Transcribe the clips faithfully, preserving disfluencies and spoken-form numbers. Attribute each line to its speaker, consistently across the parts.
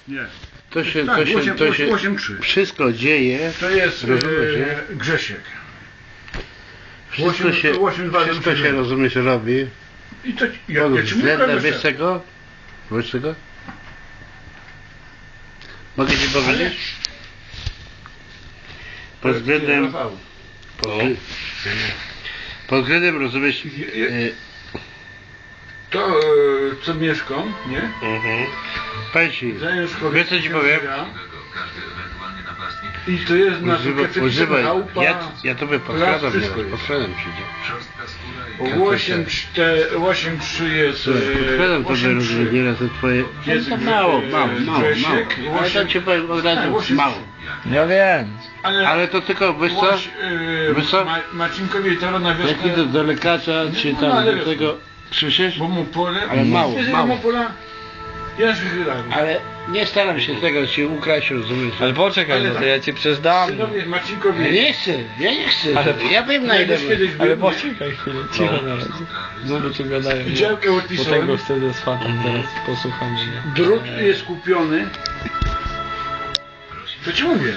Speaker 1: Nie.
Speaker 2: To się,
Speaker 1: Tak,
Speaker 2: to się,
Speaker 1: osiem,
Speaker 2: to się
Speaker 1: osiem trzy.
Speaker 2: wszystko dzieje.
Speaker 1: To jest
Speaker 2: rozumiesz, nie?
Speaker 1: e, Grzesiek.
Speaker 2: Wszystko
Speaker 1: osiem,
Speaker 2: się,
Speaker 1: osiem, dwa,
Speaker 2: wszystko
Speaker 1: siedem.
Speaker 2: się rozumiesz, robi.
Speaker 1: I to ja,
Speaker 2: Pod
Speaker 1: ja ci mówię,
Speaker 2: względem,
Speaker 1: że-
Speaker 2: wiesz czego? Wiesz czego? Mogę ci powiedzieć? Pod względem,
Speaker 1: Rafał.
Speaker 2: pod, pod względem, rozumiesz, e,
Speaker 1: To e, co mieszkam, nie?
Speaker 2: mhm. Powiem ci,
Speaker 1: Zając
Speaker 2: wiesz co ci powiem?
Speaker 1: I to jest nasz
Speaker 2: Używaj, używaj.
Speaker 1: chałupa.
Speaker 2: Ja, ja tobie
Speaker 1: Raz
Speaker 2: podkradam,
Speaker 1: wszystko
Speaker 2: nie,
Speaker 1: jest.
Speaker 2: podkradam ci, nie?
Speaker 1: osiem cztery, osiem trzy jest.
Speaker 2: Słuchaj, podkradam tobie,
Speaker 1: osiem
Speaker 2: rozumiesz,
Speaker 1: trzy.
Speaker 2: nieraz to twoje...
Speaker 1: Jest
Speaker 2: No to mało,
Speaker 1: e,
Speaker 2: mało, mało, mało.
Speaker 1: Grzesiek,
Speaker 2: Ale
Speaker 1: osiem-
Speaker 2: to ci powiem od
Speaker 1: Tak,
Speaker 2: razu,
Speaker 1: osiem
Speaker 2: mało.
Speaker 1: trzy.
Speaker 3: Ja wiem.
Speaker 1: Ale,
Speaker 2: Ale to tylko, wiesz co?
Speaker 1: Łoś, e,
Speaker 2: Wiesz co?
Speaker 1: Ma, Marcinkowi to na wiosnę.
Speaker 2: Jak idę do lekarza, czy
Speaker 1: No,
Speaker 2: tam
Speaker 1: ale
Speaker 2: do
Speaker 1: wiesz,
Speaker 2: tego... Słyszysz?
Speaker 1: Bo mu pole.
Speaker 2: Ale mało,
Speaker 1: Wiesz,
Speaker 2: mało.
Speaker 1: mu pola. Ja się wydarzę.
Speaker 2: Ale nie staram się tego ci ukraść, rozumiesz?
Speaker 3: Ale poczekaj,
Speaker 1: Ale
Speaker 3: no to
Speaker 1: tak.
Speaker 3: ja ci przecież dam.
Speaker 1: Synowie Marcinkowi.
Speaker 2: Ja nie chcę, ja nie chcę.
Speaker 3: Ale-
Speaker 2: ja wiem na ile...
Speaker 1: Kiedyś, kiedyś
Speaker 3: Ale
Speaker 1: był-
Speaker 3: poczekaj chwilę, cicho na razie. Znowu tu gadają. nie?
Speaker 1: Działkę
Speaker 3: Bo
Speaker 1: odpisałem.
Speaker 3: tego wtedy z fatem teraz posłucham mnie.
Speaker 1: Drut jest kupiony. To ci mówię.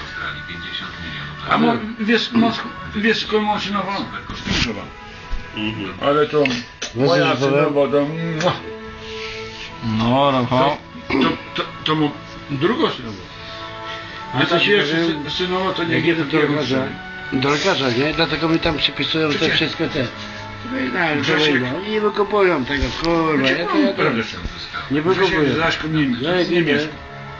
Speaker 1: A mo, wiesz, Mosk, wiesz skąd maszynowa? Spinszowa. Ale to moja
Speaker 2: co powiem?
Speaker 1: synowa to... mua.
Speaker 3: No, Rafał.
Speaker 1: To, to, to mu drugą synową. A
Speaker 2: Ja
Speaker 1: to
Speaker 2: ci
Speaker 1: się jeszcze
Speaker 2: powiem,
Speaker 1: sy- synowa to nie
Speaker 2: Jak
Speaker 1: wie
Speaker 2: idę do lekarza, do lekarza, nie? Dlatego mi tam przypisują te
Speaker 1: Przecież-
Speaker 2: wszystko te... No, to
Speaker 1: Grzesiek-
Speaker 2: wejdą. I nie wykupują tego, kurwa, ja to ja to...
Speaker 1: Prawda,
Speaker 2: Nie wykupuję.
Speaker 1: Grzesiek z Laszką nie,
Speaker 2: Ja
Speaker 1: nie,
Speaker 2: jak idę,
Speaker 1: mieszka.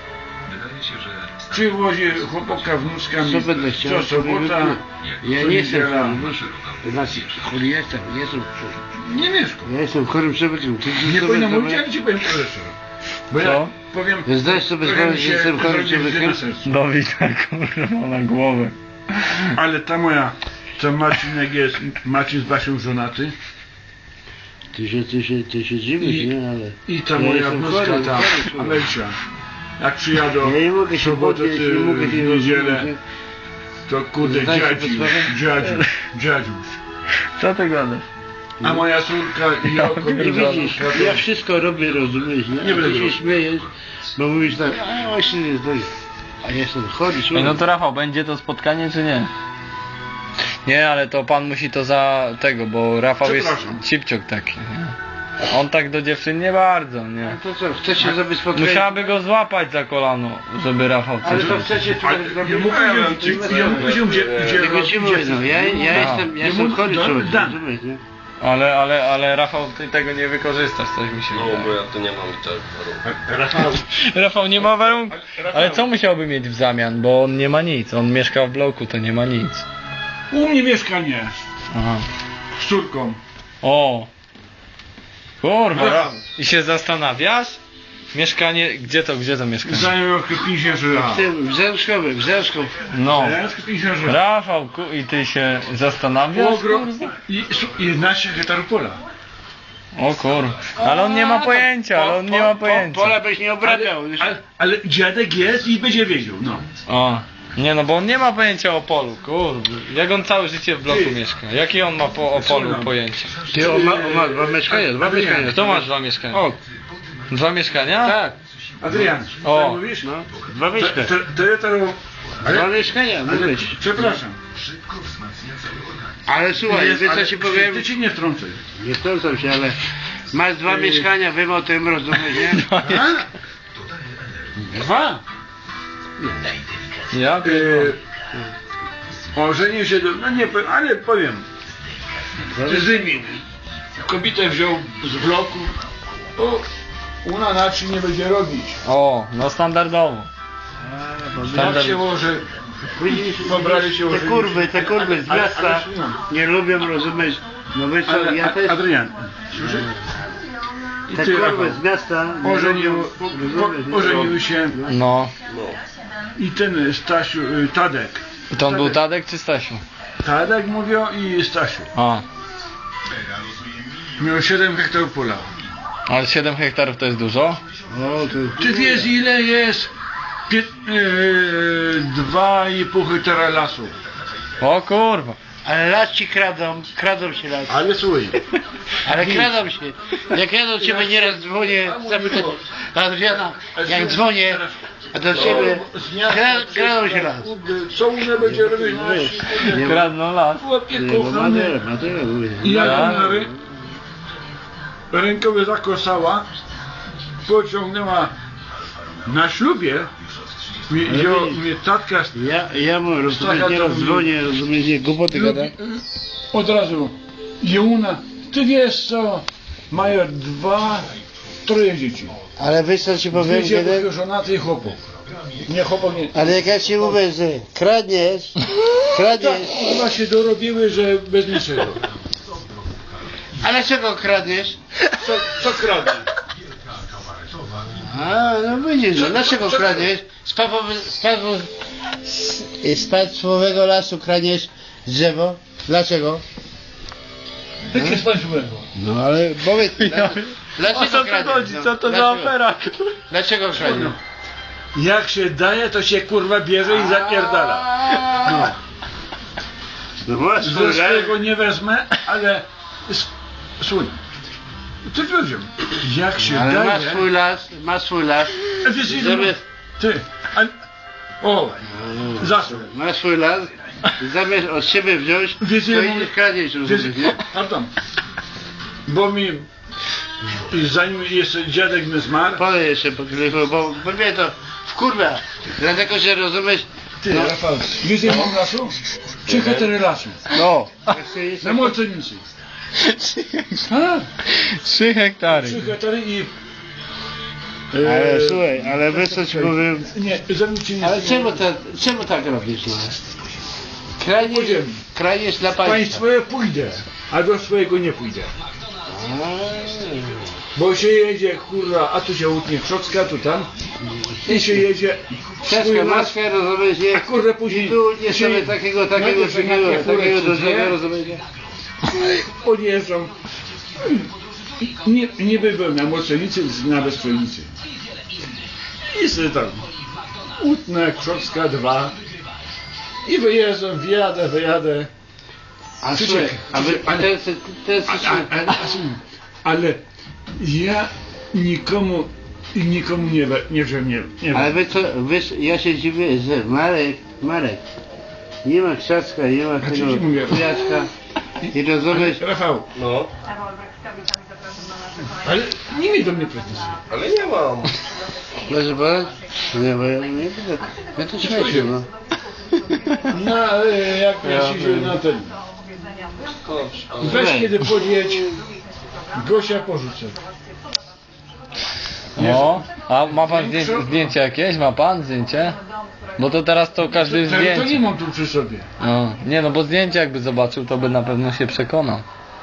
Speaker 1: Przywozi chłopaka wnuczkami
Speaker 2: co będę chciał,
Speaker 1: co
Speaker 2: to mi
Speaker 1: sobota,
Speaker 2: wykupię. Ja
Speaker 1: co
Speaker 2: nie jestem
Speaker 1: niedziela.
Speaker 2: chory, wiesz? To znaczy, chory jestem, nie jestem chory.
Speaker 1: Nie mieszka.
Speaker 2: Ja jestem chorym człowiekiem. Ty
Speaker 1: Nie
Speaker 2: co
Speaker 1: powinno
Speaker 2: będę-
Speaker 1: mówić, ale ci powiem szczerze. Bo ja
Speaker 3: Co?
Speaker 1: powiem...
Speaker 2: Zdajesz sobie
Speaker 1: trochę
Speaker 2: sprawę,
Speaker 1: mi
Speaker 2: że
Speaker 1: się
Speaker 2: jestem chorym
Speaker 1: zrobi źle
Speaker 2: człowiekiem?
Speaker 1: na sercu.
Speaker 3: Dawida, kurwa, na głowę.
Speaker 1: Ale ta moja, co Marcinek jest, Marcin z Basią żonaty
Speaker 2: Ty się, ty się, ty się dziwisz,
Speaker 1: I-
Speaker 2: nie? Ale...
Speaker 1: i ta
Speaker 2: Ja
Speaker 1: moja
Speaker 2: jestem
Speaker 1: wnuczka,
Speaker 2: chory,
Speaker 1: ta
Speaker 2: chory człowiek.
Speaker 1: Amelcia, jak przyjadą
Speaker 2: Ja nie mogę
Speaker 1: w
Speaker 2: się
Speaker 1: sobotę
Speaker 2: podnieść,
Speaker 1: czy
Speaker 2: nie mogę
Speaker 1: w
Speaker 2: się
Speaker 1: niedzielę,
Speaker 2: rozumieć.
Speaker 1: to kurde
Speaker 2: Zdajesz sobie
Speaker 1: dziadziu,
Speaker 2: sprawę?
Speaker 1: dziadziu, dziadziuś.
Speaker 3: Co ty gadasz?
Speaker 1: A moja córka i
Speaker 3: Ja
Speaker 1: oko
Speaker 2: I
Speaker 3: pierdolę.
Speaker 2: widzisz, ja wszystko robię, rozumiesz, nie?
Speaker 1: Nie
Speaker 2: A
Speaker 1: będę
Speaker 2: ty się
Speaker 1: robił.
Speaker 2: śmiejesz, bo mówisz tak, a właśnie nie zdaj. A ja jestem chory
Speaker 3: Ej,
Speaker 2: człowiek.
Speaker 3: no to Rafał, będzie to spotkanie czy nie? Nie, ale to pan musi to za tego, bo Rafał jest
Speaker 1: Przepraszam.
Speaker 3: cipciok taki. Nie? On tak do dziewczyn nie bardzo, nie?
Speaker 2: To co, chcecie zrobić spotkanie?
Speaker 3: Musiałaby go złapać za kolano, żeby Rafał
Speaker 2: Ale
Speaker 3: coś
Speaker 2: to
Speaker 3: zrobił.
Speaker 2: chcecie
Speaker 1: Ale
Speaker 2: tutaj
Speaker 1: ja
Speaker 2: zrobić...
Speaker 1: mu powiedział, ja mu powiedział, gdzie, gdzie,
Speaker 2: Tylko ci mówię, no, ja, ja
Speaker 3: A.
Speaker 2: jestem, ja
Speaker 1: Ja
Speaker 2: jestem
Speaker 1: mu-
Speaker 2: chory
Speaker 1: Dan-
Speaker 2: człowiek,
Speaker 1: Dan.
Speaker 2: rozumiesz, nie?
Speaker 3: Ale, ale, ale Rafał, ty tego nie wykorzystasz, coś mi się
Speaker 4: No bo
Speaker 3: wydaje.
Speaker 4: ja tu nie mam i tak.
Speaker 1: Rafał,
Speaker 3: Rafał nie ma warunków.
Speaker 1: Rafał.
Speaker 3: Ale co musiałby mieć w zamian, bo on nie ma nic, on mieszka w bloku, to nie ma nic.
Speaker 1: u mnie mieszkanie
Speaker 3: Aha.
Speaker 1: z córką.
Speaker 3: O! Kurwa,
Speaker 1: No.
Speaker 3: Ra- i się zastanawiasz? Mieszkanie, gdzie to, gdzie to mieszkanie?
Speaker 1: Zajął pięćdziesiąt lat.
Speaker 2: W tym, w Zemszkowie, w Zemszków.
Speaker 3: No.
Speaker 1: pięćdziesiąt lat.
Speaker 3: Rafał, ku, i ty się zastanawiasz?
Speaker 1: Ogrom
Speaker 3: kurwa?
Speaker 1: i, i jedenaście hektarów pola.
Speaker 3: O kurwa. Ale on nie ma pojęcia, ale on nie ma pojęcia.
Speaker 2: Pola byś nie obrabiał.
Speaker 1: Ale,
Speaker 2: wiesz?
Speaker 1: ale, ale dziadek jest i będzie wiedział, no.
Speaker 3: O. Nie no, bo on nie ma pojęcia o polu, kurde. Jak on całe życie w bloku
Speaker 1: Ty.
Speaker 3: mieszka? Jakie on ma po, o polu
Speaker 1: Słucham.
Speaker 3: pojęcie?
Speaker 2: Ty, on ma, on ma dwa mieszkania, dwa
Speaker 1: Adrian,
Speaker 2: mieszkania.
Speaker 3: Kto ma dwa mieszkania?
Speaker 2: O,
Speaker 3: Dwa mieszkania?
Speaker 2: tak,
Speaker 1: Adrian,
Speaker 3: O.
Speaker 1: co mówisz?
Speaker 2: no, dwa
Speaker 1: To,
Speaker 2: mieszkania.
Speaker 1: to, to ja to...
Speaker 2: Dwa
Speaker 1: Ale,
Speaker 2: mieszkania,
Speaker 1: ale
Speaker 2: mówię ci.
Speaker 1: przepraszam.
Speaker 2: Ale słuchaj,
Speaker 1: Jest,
Speaker 2: wiesz co
Speaker 1: ale
Speaker 2: ci powiem?
Speaker 1: Ty ci nie wtrącaj.
Speaker 2: Nie wtrącam się, ale masz dwa
Speaker 1: Yy.
Speaker 2: mieszkania, wiem o tym, rozumiesz, nie?
Speaker 1: A? Dwa?
Speaker 3: Ja?
Speaker 1: Yy, ożenił się do... No nie powiem, ale powiem. Zymił. Kobietę wziął z bloku. O, ona na czym nie będzie robić.
Speaker 3: O, no standardowo.
Speaker 1: Tak się może...
Speaker 2: Widzisz,
Speaker 1: Pobrali się
Speaker 2: te
Speaker 1: ożenić.
Speaker 2: kurwy, te kurwy z
Speaker 1: Ale- ale-
Speaker 2: miasta
Speaker 1: ale słucham.
Speaker 2: nie lubią, rozumiesz? No wiesz co,
Speaker 1: Ale,
Speaker 2: ja też...
Speaker 1: Adrian, słyszysz? I
Speaker 2: Te
Speaker 1: ty,
Speaker 2: kurwy
Speaker 1: Rafał,
Speaker 2: z miasta nie
Speaker 1: ożenił,
Speaker 2: lubią,
Speaker 1: po,
Speaker 2: rozumiesz,
Speaker 1: po,
Speaker 2: nie?
Speaker 1: ożenił się
Speaker 3: No.
Speaker 1: i ten Stasiu, y, Tadek.
Speaker 3: I to on był Tadek czy Stasiu?
Speaker 1: Tadek mówią i Stasiu.
Speaker 3: A.
Speaker 1: Miał siedem hektarów pola.
Speaker 3: Ale siedem hektarów to jest dużo?
Speaker 2: O, to...
Speaker 1: Ty wiesz ile jest pię- yy, dwa i pół hektara lasu?
Speaker 3: O kurwa.
Speaker 2: Ale las ci kradą, kradą się las.
Speaker 1: Ale słuchaj,
Speaker 2: Ale kradą się. Jak ja do ciebie nieraz dzwonię, zapytać Adriana, jak dzwonię, a do ciebie kra, kradą się las.
Speaker 1: co ona będzie robić?
Speaker 3: Kradną las.
Speaker 1: Chłopie
Speaker 2: Bo
Speaker 1: kochany.
Speaker 2: Madera, Madera mówię.
Speaker 1: I jak
Speaker 3: Tak.
Speaker 1: ona rę... rękowy zakosała, pociągnęła na ślubie, mi,
Speaker 2: Ale
Speaker 1: wziął
Speaker 2: widzisz-
Speaker 1: mnie tatka
Speaker 2: Ja, ja mu rozumiesz,
Speaker 1: Taka
Speaker 2: nieraz
Speaker 1: to-
Speaker 2: dzwonię, rozumiesz, nie głupoty gada.
Speaker 1: od razu. I ona, ty wiesz co, mają dwa, troje dzieci.
Speaker 2: Ale wiesz co ci powiem,
Speaker 1: Dwie
Speaker 2: kiedy...
Speaker 1: dziewuchy żonaty i chłopów. Nie chłopak nie.
Speaker 2: Ale jak ja ci mówię, że kradniesz,
Speaker 1: Tak,
Speaker 2: kradniesz,
Speaker 1: chyba się dorobiły, że bez niczego.
Speaker 2: ale czego kradniesz?
Speaker 1: Co, co kradnie?
Speaker 2: A, no widzisz, no dlaczego kradniesz? Z, papowy, z, papo, z, z państwowego lasu kradniesz drzewo? Dlaczego?
Speaker 1: Jakie jest państwowego?
Speaker 2: No ale powiedz, dla, dlaczego kradniesz? No, dlaczego? Dlaczego kradniesz?
Speaker 1: Jak się daje, to się kurwa bierze i zapierdala. No.
Speaker 2: No masz
Speaker 1: Ze swojego nie wezmę, ale... s- Słuchaj, ty powiedział, jak się
Speaker 2: ale
Speaker 1: daje...
Speaker 2: masz swój las, masz swój las,
Speaker 1: A wiesz, ile
Speaker 2: żeby...
Speaker 1: Ty, a... O, zasób.
Speaker 2: Masz swój las, zamiast od siebie wziąć, to
Speaker 1: Wiesz, ile
Speaker 2: idziesz
Speaker 1: mówię-
Speaker 2: kradniesz, rozumiesz, nie?
Speaker 1: Pardon. Bo mi... i zanim jeszcze dziadek mi zmarł...
Speaker 2: Podaj jeszcze po telefonu, bo, bo mnie to wkurwia. Dlatego, że rozumiesz...
Speaker 1: Ty,
Speaker 2: no,
Speaker 1: Rafał, wiesz ile mam lasu? Trzy hektary lasu.
Speaker 2: no.
Speaker 1: Na Molcenicy. A,
Speaker 3: Trzy hektary.
Speaker 1: trzy hektary i...
Speaker 2: Ale
Speaker 1: e,
Speaker 2: słuchaj, ale wiesz co ci powiem...
Speaker 1: Nie, ze mną ci nie...
Speaker 2: Ale czemu, ta, czemu tak robisz, no? Krajniesz,
Speaker 1: Podziemny.
Speaker 2: krajniesz dla państwa.
Speaker 1: Państwowe pójdę, albo swojego nie pójdę.
Speaker 2: A,
Speaker 1: Bo się jedzie, kurwa, a tu się utnie Krzocka, tu tam. I się jedzie... swój
Speaker 2: Ciężka
Speaker 1: las,
Speaker 2: maska, rozumiesz, nie?
Speaker 1: a kurde później...
Speaker 2: I tu nie
Speaker 1: się-
Speaker 2: sobie takiego, takiego,
Speaker 1: najpierw
Speaker 2: takiego,
Speaker 1: jechanie furę
Speaker 2: takiego do
Speaker 1: cudzie,
Speaker 2: drzewa, rozumiesz, nie?
Speaker 1: Odjeżdżam. Nie, nie byłem na Molcenicy, na Bezprzenicy. I sobie tam utnę Krzocka dwa. I wyjeżdżam, wjadę, wyjadę.
Speaker 2: A
Speaker 1: Ty
Speaker 2: słuchaj,
Speaker 1: czekaj,
Speaker 2: a wy,
Speaker 1: ale-
Speaker 2: ten, ten, ten,
Speaker 1: A, a, a, ale ja nikomu i nikomu nie, we- nie wziąłem, nie, nie
Speaker 2: ale
Speaker 1: wiem.
Speaker 2: wy co, wiesz, ja się dziwię, że Marek, Marek, nie ma krzaczka, nie ma
Speaker 1: ci
Speaker 2: tego
Speaker 1: mówię?
Speaker 2: kwiatka i rozumiesz,
Speaker 1: Rafał,
Speaker 4: No,
Speaker 1: ale nie miej do mnie pretensji.
Speaker 4: ale nie mam.
Speaker 2: proszę pana? Nie, bo ja nie będę, ja to śmiecie, no.
Speaker 1: Na, e, jak ja się wziąłem na ten. Weź kiedy podjedź, Gosia porzucę.
Speaker 3: O, a ma pan zdję, zdjęcie jakieś? Ma pan zdjęcie? Bo to teraz to każdy
Speaker 1: To, to nie
Speaker 3: zdjęcie.
Speaker 1: mam tu przy sobie.
Speaker 3: No, nie no, bo zdjęcie jakby zobaczył, to by na pewno się przekonał.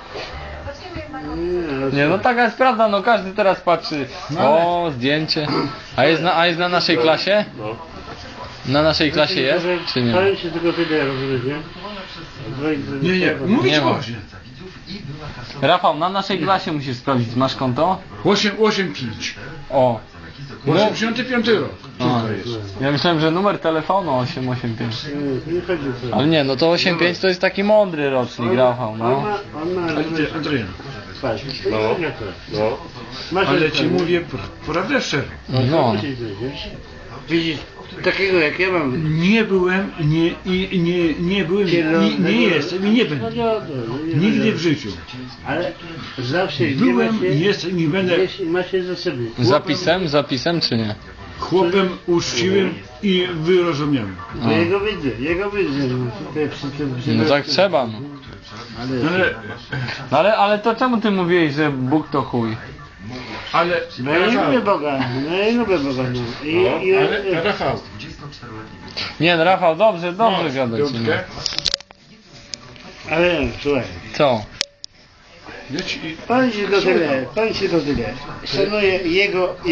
Speaker 3: Nie no, taka jest prawda, no każdy teraz patrzy. O, zdjęcie. A jest na, a jest na naszej klasie?
Speaker 4: No.
Speaker 3: Na naszej klasie jest, czy nie?
Speaker 2: Powiem ci tylko tyle, rozumiesz, nie?
Speaker 1: Nie, nie, mówić
Speaker 3: Nie ma.
Speaker 1: Gosie.
Speaker 3: Rafał, na naszej klasie musisz sprawdzić, masz konto?
Speaker 1: osiem, osiem, pięć.
Speaker 3: O. No,
Speaker 1: osiemdziesiąty piąty rok.
Speaker 3: a,
Speaker 1: Tutaj jest.
Speaker 3: ja myślałem, że numer telefonu osiem osiem pięć.
Speaker 2: Nie, nie chodzi o to.
Speaker 3: Ale nie, no to osiem pięć to jest taki mądry rocznik, Rafał,
Speaker 2: On
Speaker 3: no.
Speaker 2: ma, on ma,
Speaker 1: Ale
Speaker 2: rozumiesz,
Speaker 1: ty, Adrian,
Speaker 2: patrz,
Speaker 4: No.
Speaker 2: nie to.
Speaker 4: No.
Speaker 2: Masz
Speaker 1: ale
Speaker 2: ręce,
Speaker 1: ci
Speaker 2: nie?
Speaker 1: mówię pr- prawdę szczerze.
Speaker 3: No.
Speaker 2: Widzisz, takiego jak ja mam.
Speaker 1: Nie byłem, nie, i nie, nie byłem, nie, nie jestem i nie
Speaker 2: No
Speaker 1: będę.
Speaker 2: nie, no, nie
Speaker 1: Nigdy
Speaker 2: będę.
Speaker 1: w życiu.
Speaker 2: Ale zawsze gdzie
Speaker 1: Byłem,
Speaker 2: macie,
Speaker 1: nie jestem, nie będę
Speaker 2: gdzieś macie za sobie.
Speaker 3: Zapisem, zapisem czy nie?
Speaker 1: chłopem uczciwym i wyrozumiałym.
Speaker 2: No jego widzę, jego widzę. No, tutaj przy tym, przy
Speaker 3: No
Speaker 2: tym-
Speaker 3: tak trzeba, no.
Speaker 2: Ale,
Speaker 1: Ale,
Speaker 3: No ale, ale to czemu ty mówiłeś, że Bóg to chuj?
Speaker 1: ale,
Speaker 2: no ja nie
Speaker 1: Rafał,
Speaker 2: lubię Boga, no ja nie lubię Boga. No. I,
Speaker 1: no,
Speaker 2: i,
Speaker 1: ale Rafał,
Speaker 3: Nie, no, Rafał, dobrze, dobrze
Speaker 1: no,
Speaker 3: gadać. No.
Speaker 1: piątkę,
Speaker 2: ale słuchaj,
Speaker 3: Co?
Speaker 1: ja ci,
Speaker 2: pan się do tyle, pan się do tyle. Szanuję jego